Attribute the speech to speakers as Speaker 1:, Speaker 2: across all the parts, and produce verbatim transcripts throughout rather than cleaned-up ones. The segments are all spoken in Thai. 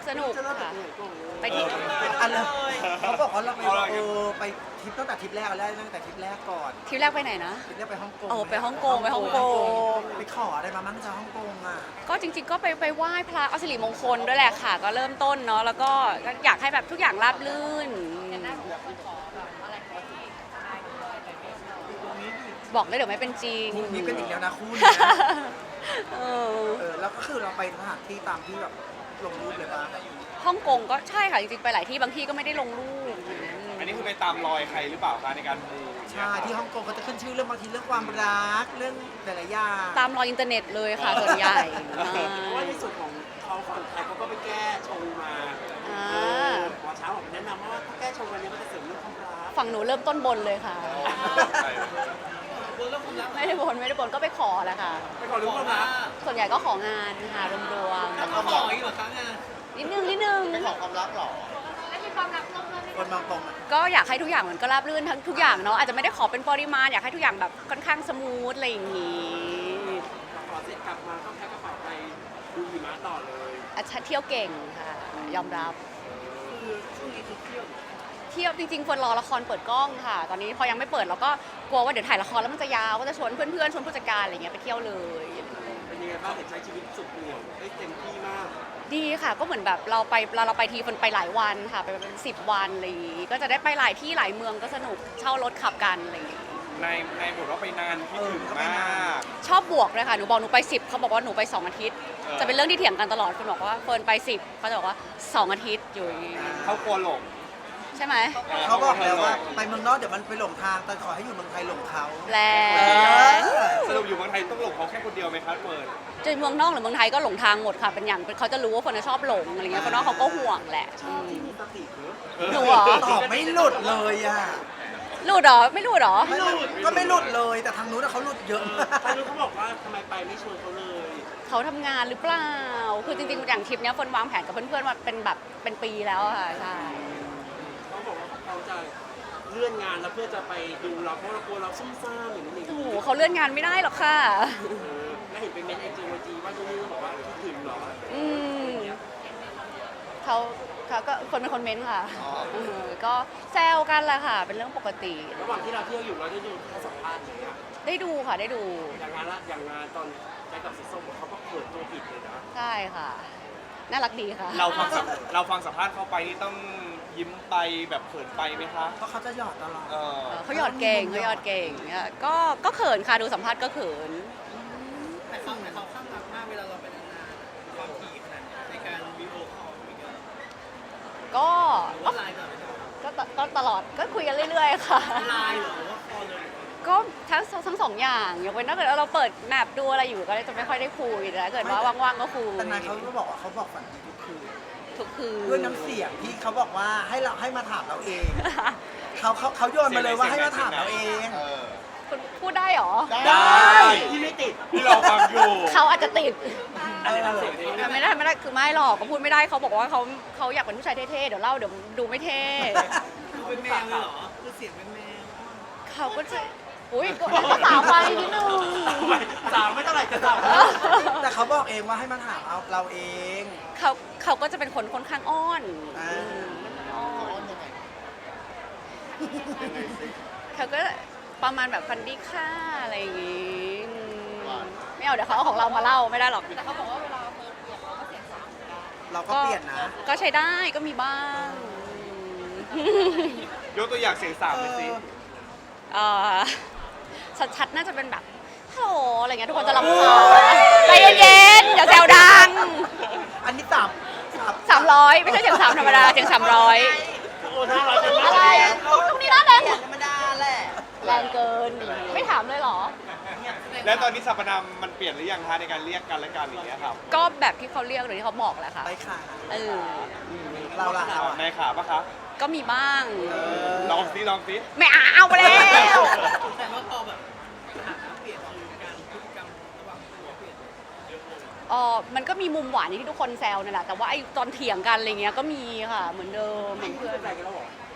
Speaker 1: สนุกค่ะไปที่
Speaker 2: อันเลยเขาบอกว่าเราไปเออไปทริปตั้งแต่ทริปแรกเอาแล้วตั้งแต่ทริปแรกก่อน
Speaker 1: ทริปแรกไปไหนนะ
Speaker 2: ทริปแรกไปฮ่องกง
Speaker 1: โอ้ไปฮ่องกงไปฮ่องกง
Speaker 2: ไปขออะไรมามั่งจากฮ่องกงอ่ะ
Speaker 1: ก็จริงๆก็ไปไปไหว้พระเอาสิริมงคลด้วยแหละค่ะ ก็เริ่มต้นเนาะแล้วก็ก็อยากให้แบบทุกอย่างราบรื่นบอกเลยเดี๋ยวไม่เป็นจริง
Speaker 2: คู่นี้เป็นอีกแล้วนะคู่นี้นะ
Speaker 1: เออ
Speaker 2: เออแล้วก็คือเราไปสถานที่ตามที่แบบลงรูปเลยป่ะ
Speaker 1: ฮ่องกงก็ใช่ค่ะจริงๆไปหลายที่บางที่ก็ไม่ได้ลงรูป
Speaker 3: อันนี้คือไปตามรอยใครหรือเปล่าคะในการมู
Speaker 2: ใช่ที่ฮ่องกงเขาจะขึ้นชื่อเรื่องบางทีเรื่องความรักเรื่องหลายๆอย่าง
Speaker 1: ตามรอยอินเทอร์เน็ตเลยค่ะส่วนใหญ่
Speaker 4: เพราะว่าในส่วนของเขาฝั่งไทยเขาก็ไปแก้ชงมา
Speaker 1: อ่า
Speaker 4: เออหมอเช้าบอกแนะนำว่าถ้าแก้ชงวันนี้มันจะเสริมเรื่องความรัก
Speaker 1: ฝั่งหนูเริ่มต้นบนเลยค่ะ ไม่ได้บนไม่ได้บนก็ไปขอแหละค่ะ
Speaker 4: ไปขอรู้ความรัก
Speaker 1: ส่วนใหญ่ก็ของานค่ะรวม
Speaker 4: แล้วก็ขออีกเหรอคะงาน
Speaker 1: ๆนิดนึงนิดนึง
Speaker 2: ไปขอความรักหรอคนบางตรงอ่ะ
Speaker 1: ก็อยากให้ทุกอย่างมันก็ราบรื่นทั้งทุกอย่างเนาะอาจจะไม่ได้ขอเป็นปริมาณอยากให้ทุกอย่างแบบค่อนข้างสมูทอะไรอย่างงี้
Speaker 4: ขอเสร็จกลับมาก็แพ็คกระเป๋าไปดูหิมะต่อเลย
Speaker 1: อาชัดเที่ยวเก่งค่ะ ยอมรับ
Speaker 4: คือช่วงนี้คือเที่ยว
Speaker 1: เที่ยวจริงๆควรรอละครเปิดกล้องค่ะ ตอนนี้พอยังไม่เปิดเราก็กลัวว่าเดี๋ยวถ่ายละครแล้วมันจะยาวก็จะชวนเพื่อนๆชวนผู้จัดการอะไรเงี้ยไปเที่ยวเลย
Speaker 4: เป็นยังไงบ้างเห็นใช้ชีวิตสุดเหวี่ยงได้เต็มที่มาก
Speaker 1: ดีค่ะก็เหมือนแบบเราไปเราเราไปทีคนไปหลายวันค่ะไปเป็นสิบวันอะไรอย่างงี้ก็จะได้ไปหลายที่หลายเมืองก็สนุกเช่ารถขับกันอะไรอย่างงี้
Speaker 3: ในในบทว่าไปนานคิดถึงมาก
Speaker 1: ชอบบวกเลยค่ะหนูบอกหนูไปสิบเขาบอกว่าหนูไปสองอาทิตย์
Speaker 3: เออ
Speaker 1: จะเป็นเรื่องที่เถียงกันตลอดคนบอกว่าเฟิร์นไปสิบเขาจะบอกว่าสองอาทิตย์อยู่อย่างงี้
Speaker 3: เขากลัวหลง
Speaker 1: ใช่ไหม
Speaker 2: เขาบอกแล้วว่าไปเมืองนอกเดี๋ยวมันไปหลงทางแต่ขอให้อยู่เมืองไทยหลงเขา
Speaker 1: แรง
Speaker 3: สรุปอยู่เมืองไทยต้องหลงเขาแค่คนเดียวไหมครับเฟิร์น
Speaker 1: จะเมืองนอกหรือเมืองไทยก็หลงทางหมดค่ะเป็นอย่างเขาจะรู้ว่าคนน่ะชอบหลงอะไรเงี้ยคนนอกเขาก็ห่วงแหละ
Speaker 4: ชอบที่มีสติเนอะ
Speaker 1: หนูเหรอ
Speaker 2: ตอบไม่หลุดเลยอ่ะ
Speaker 1: หลุดเหรอไม่หลุดเหรอ
Speaker 2: ไม่หลุดก็ไม่หลุดเลยแต่ทางนู้นน่ะเขาหลุดเยอะมาก
Speaker 4: ใครรู้เขาบอกว่าทำไมไปไม่ชวนเขาเลย
Speaker 1: เขาทำงานหรือเปล่า คือจริงๆ อย่างทริปเนี้ยเฟิร์นวางแผนกับเพื่อนๆ มาเป็นแบบเป็นปีแล้วอะค่ะ ใช่
Speaker 4: เขาบอกว่าเขาจะเลื่อนงานแล้วเพื่อจะไปดูเราเพราะเรากลัวเราซุ่มซ่ามอย่างนี้นอย่าง
Speaker 1: โอ้
Speaker 4: นี้
Speaker 1: โหเขาเลื่อนงานไม่ได้หรอกค่ะ
Speaker 4: เออแล้วเห็นเป็นเมนไอจีวจีว่าตรงนี้บอกว่าคิดถึงเหรอ
Speaker 1: อืมเขาเขาก็คนเป็นคนเม้นต์ค่ะเออก็แซวกันแหละค่ะ เป็นเรื่องปกติ
Speaker 4: ระหว่างที่เราเที่ยวอยู่เราได้ดูเขาสัมภาษณ์อย่างเงี้ย
Speaker 1: ได้ดูค่ะ ได้ดู
Speaker 4: อย่างงานละอย่างงานตอนไปกับสีส้มเขาก็เปิดตัวผิดเลยนะ
Speaker 1: ใช่ค่ะ น่ารักดีค่ะ
Speaker 3: เราฟังสัมเราฟังสัมภาษณ์เขาไปนี่ต้องยิ้มไปแบบเขินไปไหมคะ
Speaker 2: เพราะเขาจะหยอดตลอด
Speaker 3: เออ
Speaker 1: เขาหยอดเก่งเขาหยอดเก่งเนี่ยก็ก็เขินค่ะ ดูสัมภาษณ์ก็เขิน
Speaker 5: แต่เขาแต่เขาข้างรักมากเวลาเราไปนานๆความถี่ขนาดนี้ในการวิดีโอคอลคุยกัน
Speaker 1: ก็
Speaker 5: หรือว่าไลน์ก่อนไหมครับ
Speaker 1: ก็ตก็ตลอด ก็คุยกันเรื่อยๆ ค่ะ
Speaker 5: ไลน์เหรอหรือว่าคอลเลย
Speaker 1: ก็ทั้งทั้งสองอย่างยกเว้นถ้าเกิดว่าเราเปิดแมปดูอะไรอยู่ก็จะไม่ค่อยได้คุยแต่ถ้าเกิดว่าว่างๆก็คุย
Speaker 2: แต่นายเขาก็บอกว่าเขาบอกฝันดีทุกคืน
Speaker 1: ทุกคืน
Speaker 2: ด้วยน้ำเสียงที่เขาบอกว่าให้เราให้มาถามเราเอง เขาเขาเขาโยนมาเลยว่าให้มาถามเราเอง
Speaker 3: เออ
Speaker 1: คุณพูดได้เหรอ
Speaker 2: ได้
Speaker 4: ที่ไม่ติด
Speaker 3: ที่เราฟังอยู่
Speaker 1: เขาอาจจะติด
Speaker 4: อะไรนะเสียงนี้
Speaker 1: ไม่ได้ไม่ได้คือไม่หรอกก็พูดไม่ได้เขาบอกว่าเขาเขาอยากเป็นผู้ชายเท่ๆเดี๋ยวเล่าเดี๋ยวดูไม่เท่
Speaker 5: คือเป็นแมวเลยเหรอคือเสียงเป็นแมว
Speaker 1: เขาก็จะอุ้ยก็ก็สาวไปนิดนึง
Speaker 4: สามไม่เท่าไหร่จะสาม
Speaker 2: แต่เขาบอกเองว่าให้มาถามเอาเราเอง
Speaker 1: เขาเขาก็จะเป็นคนค่อนข้างอ้อน
Speaker 2: อ่า
Speaker 1: อืมอ้อนเขาก็ประมาณแบบฟันดี้ค่าอะไรอย่างงี้อืมไม่เอาเดี๋ยวเขาเอาของเรามาเล่าไม่ได้หรอกแต่เขาบอกว่าเวลาเฟิร์นเปลี่ยนเราก็เสียงสาม
Speaker 2: เราก็เปลี่ยนนะ
Speaker 1: ก็ใช้ได้ก็มีบ้าง
Speaker 3: ยกตัวอย่างเสียงสามเลยสิ
Speaker 1: เอ่อชัดๆน่าจะเป็นแบบฮัลโหลอะไรเงี้ยทุกคนจะรำคาญใจเย็นๆอย่าแซวดัง
Speaker 2: อันนี้ต่ำ
Speaker 1: สามร้อยไม่ใช่เสียงสามธรรมดาเสียงสามร้อย
Speaker 4: โอ้น่ารักจัง
Speaker 1: อะไร
Speaker 4: เลย
Speaker 1: ตรงนี้น่าแรง
Speaker 5: ธรรมดาแหละ
Speaker 1: แรงเกิน ไม่ถามเลยเหรอ
Speaker 3: แล้วตอนนี้สรรพนามมันเปลี่ยนหรือยังคะในการเรียกกันและกันอย่างเงี้ยครับ
Speaker 1: ก็แบบที่เขาเรียกหรือที่เขาบอกแหละค่ะ
Speaker 2: ไปค่ะ
Speaker 1: เออ
Speaker 2: เราละเราอะ
Speaker 3: ในขาปะคะ
Speaker 1: ก็มีบ้าง
Speaker 3: ลองซิลองซิ
Speaker 1: ไม่เอาไปแล้ว
Speaker 5: แต่ว่าพอแบบสถานะเปลี่ยนคือการพฤติกรรมระหว่างตัวเปลี่ยนเยอะเลย
Speaker 1: เออมันก็มีมุมหวานที่ทุกคนแซวนั่นแหละแต่ว่าไอ้ตอนเถียงกันอะไรเงี้ยก็มีค่ะ เหมือนเดิมเหมือน
Speaker 4: เพื่
Speaker 1: เพื่
Speaker 4: อ
Speaker 1: อน น
Speaker 4: อะไรกันแล้วหรอ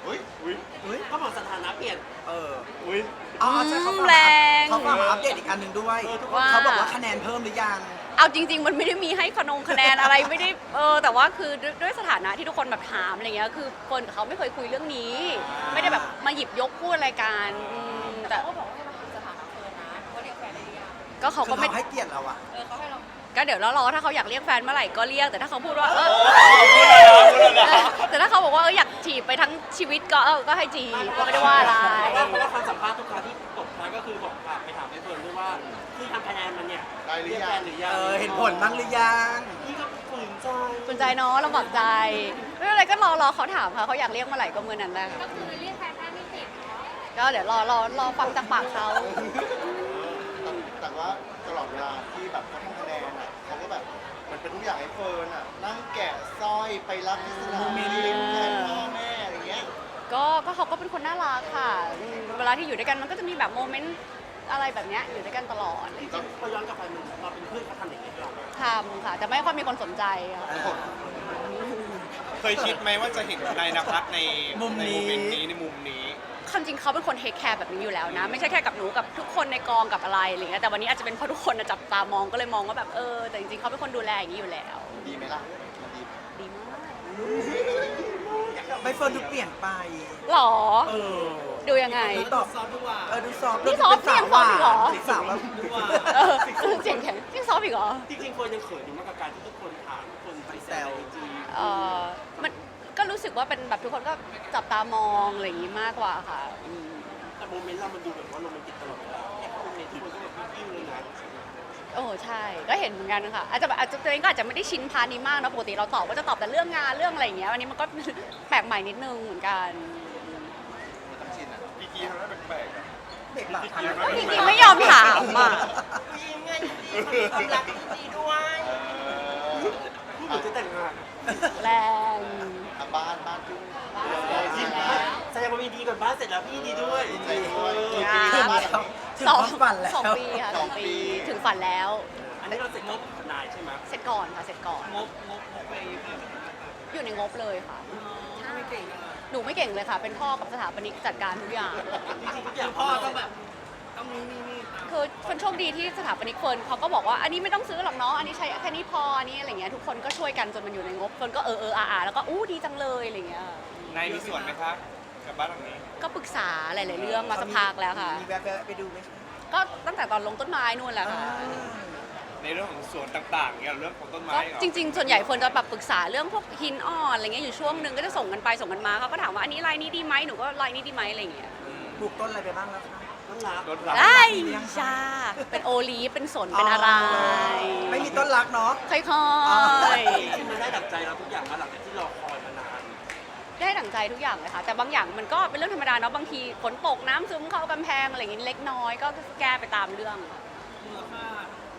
Speaker 3: อุ้ยอุ้ย
Speaker 2: อุ้ย
Speaker 4: ก็บอกสถานะเปลี่ยน
Speaker 2: เออ
Speaker 3: อุ้ย
Speaker 2: อ๋อใช่เขาฝาก
Speaker 1: แร
Speaker 2: มาง เขาฝากมาอัปเดตอีกอันหนึ่งด้วย
Speaker 1: ว่า
Speaker 2: เขาบอกว่าคะแนนเพิ่มหรือยัง
Speaker 1: เอาจริง ๆ มันไม่ได้มีให้ขนงคะแนนอะไรไม่ได้เออแต่ว่าคือด้วยด้วยสถานะที่ทุกคนแบบถามอะไรเงี้ยคือเฟิร์นกับเขาไม่เคยคุยเรื่องนี้ ไม่ได้แบบมาหยิบยกพูดอะไรกันอืมแต่เขาก็บอกว่าให้มาถามสถานะเฟิร์นนะว่าเรียกแฟนได้หรือยังก็เขา
Speaker 2: คื
Speaker 1: ก็
Speaker 2: อ
Speaker 1: ไม่
Speaker 2: เขาให้เกียรติเราอะ
Speaker 1: เออเขาให้เราก็เดี๋ยวรอถ้าเขาอยากเรียกแฟนเมื่อไหร่ก็เรียกแต่ถ้าเขาพูดว่าเออ
Speaker 3: พูดเลยนะพูดเลยนะ
Speaker 1: แต่ถ้าเขาบอกว่าเอออยากจีบไปทั้งชีวิตก็เออก็ให้จีบก็ไม่ได้ว่าอะไร
Speaker 4: เพราะว่าเพราะว่าคำสัมภาษณ์ทุกครั้งที่ตกท้ายก็คือบอกฝากไปถามไอ้เฟิร์นด้วยว่าที่ทำคะแนนมันเนี่ย
Speaker 3: ได้หรือยัง
Speaker 4: เรียกแฟนหรือยัง
Speaker 2: เออเห็นผลบ้างหรือยัง
Speaker 4: นี่ก็ฝืนใจ
Speaker 1: สนใจเนาะลำบากใจไม่เป็นไรก็รอรอเขาถามค่ะเขาอยากเรียกเมื่อไหร่ก็เมื่อนั้นแหละก็คือเรียกแฟนไม่ติดก็เดี๋ยวรอรอรอฟังจากปากเขา
Speaker 6: แต่ว่าตลอดเวลาที่แบบเขาทำคะแนนอ่ะเขาก็แบบมันเป็นทุกอย่างให้เฟิร์นอ่ะนั่งแกะสร้อยไปรับที่สนามบินแทนพ่อแม่อะไรเงี้ย
Speaker 1: ก็ก็เขาก็เป็นคนน่ารักค่ะอืมเวลาที่อยู่ด้วยกันมันก็จะมีแบบโมเมนต์อะไรแบบเนี้ยอยู่ด้วยกันตลอด
Speaker 4: จริงๆพอย้อนกลับไปมันเราเป็นเพื่อนเขาทำอย่างนี้ให้เรา
Speaker 1: ทำค่ะแต่ไม่ค่อยมีคนสนใจค่ะ
Speaker 3: เคยคิดไหมว่าจะเห็นนายนภัสใน
Speaker 2: มุม
Speaker 3: ใน
Speaker 2: นี้
Speaker 3: โมเมนต์นี้ในมุมนี้
Speaker 1: ความจริงเขาเป็นคนเทคแคร์แบบนี้อยู่แล้วนะ ไม่ใช่แค่กับหนูกับทุกคนในกองกับอะไรอะไรเงี้ยแต่วันนี้อาจจะเป็นเพราะทุกคนน่ะจับตามองก็เลยมองว่าแบบเออแต่จริงๆเขาเป็นคนดูแลอย่างนี้อยู่แล้ว
Speaker 6: ดีไหมล่ะมันดีไหม
Speaker 1: ดีมาก
Speaker 2: ใบเฟิร์นดูเปลี่ยนไป
Speaker 1: หรอ
Speaker 2: เออ
Speaker 1: ดูยังไง
Speaker 2: ดูตอบ
Speaker 5: ซอฟต์ดีกว่า
Speaker 2: เออดูซอฟต์
Speaker 1: นี่ซอฟต์
Speaker 2: ดูเป็น
Speaker 1: เสียงซอฟต์อีกเหรอ
Speaker 2: สาวแบบ
Speaker 5: ดีกว่า
Speaker 1: เออเสียงแข็งยิ่งซอฟต์อีกเหรอ
Speaker 4: จริงๆเฟิร์นยังเขินอยู่มากกับการที่ทุกคนถามทุกคนไปแซวในไอจี
Speaker 1: เออมันก็รู้สึกว่าเป็นแบบทุกคนก็จับตามองอะไรอย่างนี้มากกว่าค่ะอืม
Speaker 4: แต่โมเมนต์เรามันดูแบบว่าโรแมนติกตลอดเวลาแค่โมเมนต์ทุกคนก็แบบยิ้มเลยนะ
Speaker 1: โอ้ใช่ก็เห็นเหมือนกันค่ะอาจจะแบบอาจจะตัวเองก็อาจจะไม่ได้ชินพาร์ทนี้มากนะปกติเราตอบก็จะตอบแต่เรื่องงานเรื่องอะไรอย่างเงี้ยวันนี้มันก็ แปลกใหม่นิดนึงเหมือนกัน
Speaker 6: มันต้องชินอ่ะ
Speaker 3: พี่กีทำให้แปลกๆอะ
Speaker 2: เด็กหลับ
Speaker 1: จริงๆไม่ยอมถามอ่ะ
Speaker 4: ยิ้มไงยิ้มความรักดีด้วย
Speaker 6: เออ
Speaker 4: พูดเหมือนจะแต่งงาน
Speaker 1: แรง
Speaker 6: อ่ะบ้านบ้านจุ้ง
Speaker 4: ยิ้มแสดงว่ามีดีก่อนบ้านเสร็จแล้วพี่ดีด้วย
Speaker 6: ดีใจด้วย
Speaker 4: เออ
Speaker 1: ค
Speaker 2: ถึ
Speaker 1: รั
Speaker 2: ง
Speaker 1: บ
Speaker 2: แล้วถึง
Speaker 1: สอง
Speaker 2: ความฝันแล้ว
Speaker 1: สองปีค่ะสองปีถึงฝันแล้ว
Speaker 4: อันนี้เราเสร็จงบทนายใช่ไหม
Speaker 1: เสร็จก่อนค่ะเสร็จก่อน
Speaker 5: งบงบงบไปเพิ่ม
Speaker 1: อยู่ในงบเลยค่ะ
Speaker 5: ไม่เก่งอะ
Speaker 1: หนูไม่เก่งเลยค่ะ เป็นพ่อกับสถาปนิกจัดการทุกอย่าง
Speaker 4: จริงๆทุกอย่าง
Speaker 5: พ่อต้องแบบต้องนี่นี่นี่ตาม
Speaker 1: คือคนโชคดีที่สถาปนิกเฟิร์นเขาก็บอกว่าอันนี้ไม่ต้องซื้อหรอกเนาะอันนี้ใช้แค่นี้พออันนี้อะไรเงี้ยทุกคนก็ช่วยกันจนมันอยู่ในงบเฟิร์นก็เออเอออาอาแล้วก็อู้ดีจังเลยอะไรเงี้ย
Speaker 3: นายมีส่วนไหมครับกับบ้านหลังนี้
Speaker 1: ก็ปรึกษาหลาย ๆ เรื่องมาสักพักแล้วค่ะ
Speaker 2: มีแวะๆไปดูไหมคะ
Speaker 1: ก็ตั้งแต่ตอนลงต้นไม้นู่นแหละค่ะ
Speaker 3: ในเรื่องของสวนต่างๆเนี่ยเรื่องของต้นไม้
Speaker 1: ก็
Speaker 3: เหรอ
Speaker 1: จริง ๆ ส่วนใหญ่เฟิร์นจะแบบปรึกษาเรื่องพวกหินอ่อนอะไรเงี้ยอยู่ช่วงหนึ่งก็จะส่งกันไปส่งกันมาเขาก็ถามว่าอันนี้ลายนี้ดีไหมหนูก็ลายนี้ดีไหมอะไรเงี้ย
Speaker 2: ปลูกต้นอะไรไปบ้างแล้วคะ
Speaker 4: ต้นรัก
Speaker 3: รถรับ
Speaker 1: ได้ชาเป็นโอลีฟเป็นสนเป็นอะไร
Speaker 2: ไม่มีต้นรักเนาะ
Speaker 1: ค่อย
Speaker 4: จริงๆมันได้ดั่งใจเราทุกอย่างมาหลังจากที่รอคอยมานาน
Speaker 1: ๆได้ดั่งใจทุกอย่างเลยค่ะ แต่บางอย่างมันก็เป็นเรื่องธรรมดาเนาะบางทีฝนตกน้ำซึมเข้ากำแพงอะไรอย่างงี้เล็กน้อยก็แก้ไปตามเรื่อง
Speaker 5: มูลค่า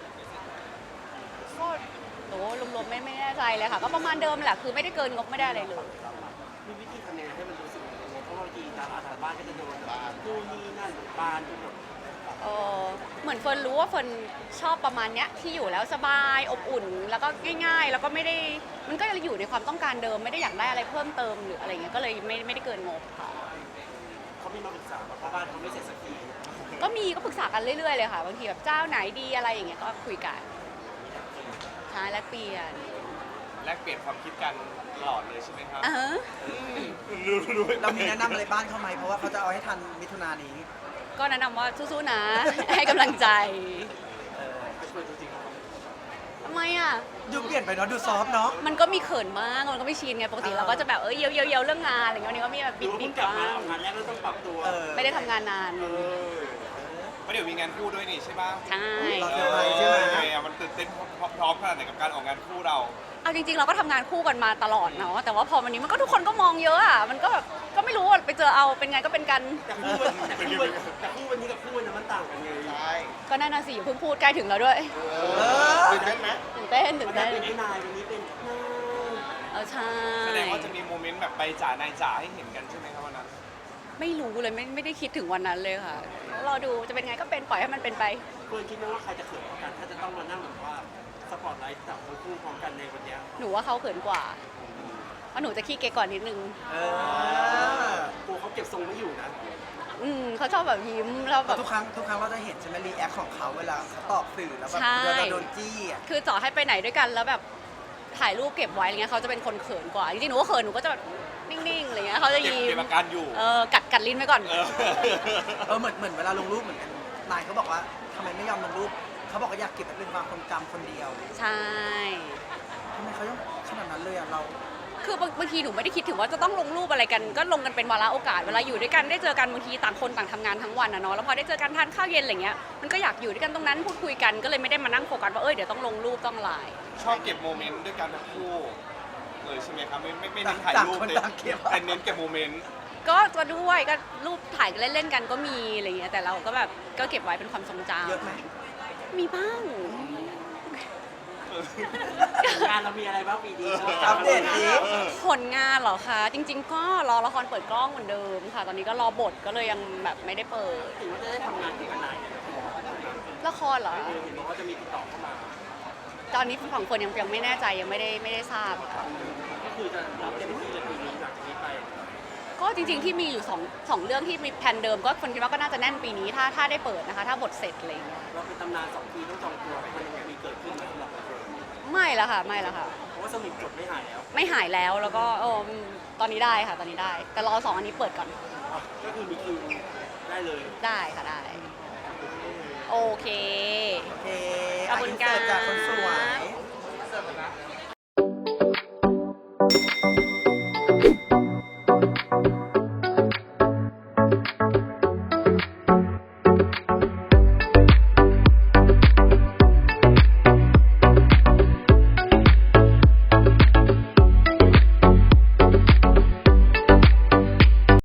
Speaker 1: ก็โหรวมๆไม่ไม่แน่ใจเลยค่ะ ก็ประมาณเดิมแหละคือไม่ได้เกินงบไม่ได้อะไรเลย
Speaker 4: มีวิธีทำยังไงให้มันรู้สึกยังไงเพราะว่าบางทีดาราทางบ้านก็จะโดนบ้านนู่นนี่นั่นบ้านทุกคน
Speaker 1: เออเหมือนเฟิร์นรู้ว่าเฟิร์นชอบประมาณเนี้ยที่อยู่แล้วสบายอบอุ่น แล้วก็ง่ายๆ แล้วก็ไม่ได้มันก็อยู่ในความต้องการเดิมไม่ได้อยากได้อะไรเพิ่มเติมหรืออะไรเงี้ยก็เลยไม่ไม่ได้เกินงบค่ะ
Speaker 4: เขามีมาปรึกษาว่าเพราะบ้านเขาไม่เสร็จสักที
Speaker 1: ก็มีก็ปรึกษากันเรื่อยๆเลยค่ะบางทีแบบเจ้าไหนดีอะไรอย่างเงี้ยก็คุยกันใช่แลกเปลี่ยน
Speaker 3: แลกเปลี่ยนความคิดกันตลอดเลยใช่ไหมครับ
Speaker 1: อ่าฮะ
Speaker 3: รู้รู้
Speaker 2: เรามีแนะนำอะไรบ้านเขาไหมเพราะว่าเขาจะเอาให้ทันมิถุนายนนี้
Speaker 1: ก็แนะนำว่าสู้ๆนะ ให้กำลังใจ
Speaker 4: ไปช่วยจริง
Speaker 1: ทำไมอ่ะ
Speaker 2: ดูเปลี่ยนไปเนาะดูซอฟต์เนาะ
Speaker 1: มันก็มีเขินมาก มันก็ไม่ชินไง ปกติเราก็จะแบบเออเยียวเยียวเยียวเรื่องงานอะไรเงี้ยวันนี้ก็มีแบบ
Speaker 4: ๆห
Speaker 1: บิ
Speaker 4: รือว่า
Speaker 1: ดบิ
Speaker 4: เพิ่
Speaker 1: ด
Speaker 4: งกลับ
Speaker 1: บ้า
Speaker 4: มาง เอางานแรกแล้วต้องปรับตัว
Speaker 2: เออ
Speaker 1: ไม่ได้ทำงานนาน
Speaker 3: เพราะเดี๋ยวมีงานคู่ด้วยนี่ใช่ป่ะ
Speaker 1: ใช่
Speaker 2: รอเซอร์ไพรส์ใช่ไหม
Speaker 3: เออมันตื่นเต้นพร้อมๆขนาดไหนกับการออกงานคู่เรา
Speaker 1: เอาจริงๆ เราก็ทำงานคู่กันมาตลอดเนาะ แต่ว่าพอวันนี้มันก็ทุกคนก็มองเยอะอ่ะ มันก็แบบก็ไม่รู้ว่าไปเจอเอาเป็นไงก็เป็นกัน
Speaker 4: แต่คู่วันแต่คู่วันแต่คู่วันนี้กับคู่วันนั้นมันต่างกันไง
Speaker 6: ใช่
Speaker 1: ก็น่าน่าสิอย่าเพิ่งพูดใกล้ถึงแล้วด้วย
Speaker 6: เออตื่นเต้นไหม
Speaker 1: ตื่นเต้นตื่
Speaker 4: วัน
Speaker 1: น
Speaker 4: นั้
Speaker 1: เต้
Speaker 4: น
Speaker 1: น
Speaker 4: เป็นไอ้นายวันนี้เป็นนาย
Speaker 1: เออใช่
Speaker 3: แสดงว่าจะมีโมเมนต์แบบไปจ่านายจ๋าให้เห็นกันใช่ไหมครับวันนั้น
Speaker 1: ไม่รู้เลยไม่ไม่ได้คิดถึงวันนั้นเลยค่ะ รอดูจะเป็นไงก็เป็นปล่อยให้มันเป็นไป
Speaker 4: เฟิร์นคิดไหมว่าใครจะเขินกว่ากัน ถ้าจะต้องมานั่งแบบว่าสปอตไลท์จับทั้งคู่พร้อมกันในวันเนี้ย
Speaker 1: หนูว่าเขาเขินกว่า
Speaker 4: เ
Speaker 1: ว่าหนูจะขี้เก๊กก่อนนิดนึง
Speaker 2: เออก
Speaker 4: ลัวเขาเก็บทรงไม่อยู่นะ
Speaker 1: อืมเขาชอบแบบยิ้มแล้วแบ
Speaker 2: แต่
Speaker 1: บ
Speaker 2: ทุกครั้งทุกครั้งเราจะเห็นใช่ไหมรีแอคของเขาเวลาเขาตอบสื่อแล้วแบบ
Speaker 1: ใช่
Speaker 2: เวลาโดนจี้อ่ะ
Speaker 1: คือต่อให้ไปไหนด้วยกันแล้วแบบถ่ายรูปเก็บไว้อะไรเงี้ยเขาจะเป็นคนเขินกว่าจริงๆหนูก็เขินหนูก็จะแบบนิ่งๆอะไรเงี้ยเขาจะ
Speaker 3: เก็บ
Speaker 1: ยิ้
Speaker 3: เก็บ
Speaker 1: ม
Speaker 3: อาการอยู่
Speaker 1: เออกัดกัดลิ้นไว้ก่อน
Speaker 3: เออ
Speaker 2: เออเหมือนเหมือนเวลาลงรูปเหมือนกันนายเขาบอกว่าทำไมไม่ยอมลงรูปเขาบอกว่าอยากเก็บไว้เป็นความทรงจำคนเดียว
Speaker 1: ใช่
Speaker 2: ทำไมเขาต้องขนาดนั้นเลยอ่ะเรา
Speaker 1: คือบางบางทีหนูไม่ได้คิดถึงว่าจะต้องลงรูปอะไรกัน ก็ลงกันเป็นวาระโอกาสเวลาอยู่ด้วยกันได้เจอกันบางทีต่างคนต่างทำงานทั้งวันอะเนาะแล้วพอได้เจอกันทานข้าวเย็นอะไรเงี้ยมันก็อยากอยู่ด้วยกันตรงนั้นพูดคุยกันก็เลยไม่ได้มานั่งโฟกัสว่าเอ้ยเดี๋ยวต้องลงรูปต้องไลน์
Speaker 3: ชอบเก็บโมเมนต์ด้วยกันทั้งคู่เลยใช่ไหมครับไม่ไม่ไม่เน้นถ่าย
Speaker 2: ต่าง
Speaker 3: รูป
Speaker 2: คน
Speaker 3: เลย
Speaker 2: ต่างเก็บ
Speaker 3: แต่เน้นเก็บโมเมนต์
Speaker 1: ก็จะด้วยก็รูปถ่ายกันเล่นๆกันก็มีอะไรเงี้ยแต่เราก็แบบก็เก็บไว้เป็นความทรงจำ
Speaker 2: เยอะไหม
Speaker 1: มีบ้าง
Speaker 4: งานเรามีอะไรบ้างปีนี้
Speaker 2: อัปเดตดิ
Speaker 1: ผลงานเหรอคะจริง ๆ ก็รอละครเปิดกล้องเหมือนเดิมค่ะ ตอนนี้ก็รอบทก็เลยยังแบบไม่ได้เปิด
Speaker 4: ถือว่าจะได้ทำงานที่กันไหน
Speaker 1: ละครเหรอ
Speaker 4: เห็นบอกว่าจะมีติดต่อเข้ามา
Speaker 1: ตอนนี้ฝั่งคนยังยังไม่แน่ใจยังไม่ได้ไม่ได้ทราบค่ะ
Speaker 4: ก็คือจะรับเต็มที่เลยปีนี้หลังจากนี้ไป
Speaker 1: ก็จริง ๆ ที่มีอยู่สองสองเรื่องที่มีแผนเดิมก็คนคิดว่าก็น่าจะแน่นปีนี้ถ้าถ้าได้เปิดนะคะ ถ้าบทเสร็จอะไรอย่างเงี้ย
Speaker 4: เราเป็นตำนานสองปีต้องจองตัวมันยังมีเกิดขึ้นไหมสำหรับเรา
Speaker 1: ไม่ละค่ะไม่ละค่ะ
Speaker 4: เพราะว่าสนิทจดไม่หายแล้ว
Speaker 1: ไม่หายแล้วแล้วก็เออตอนนี้ได้ค่ะตอนนี้ได้ แต่รอสองอันนี้เปิดก่อน
Speaker 4: ก็คือมีคิวได้เลย
Speaker 1: ได้ค่ะได้ โอเค
Speaker 2: โอเค
Speaker 1: ขอบคุณ
Speaker 2: ะ insert จากคนสวย
Speaker 1: ค่ะ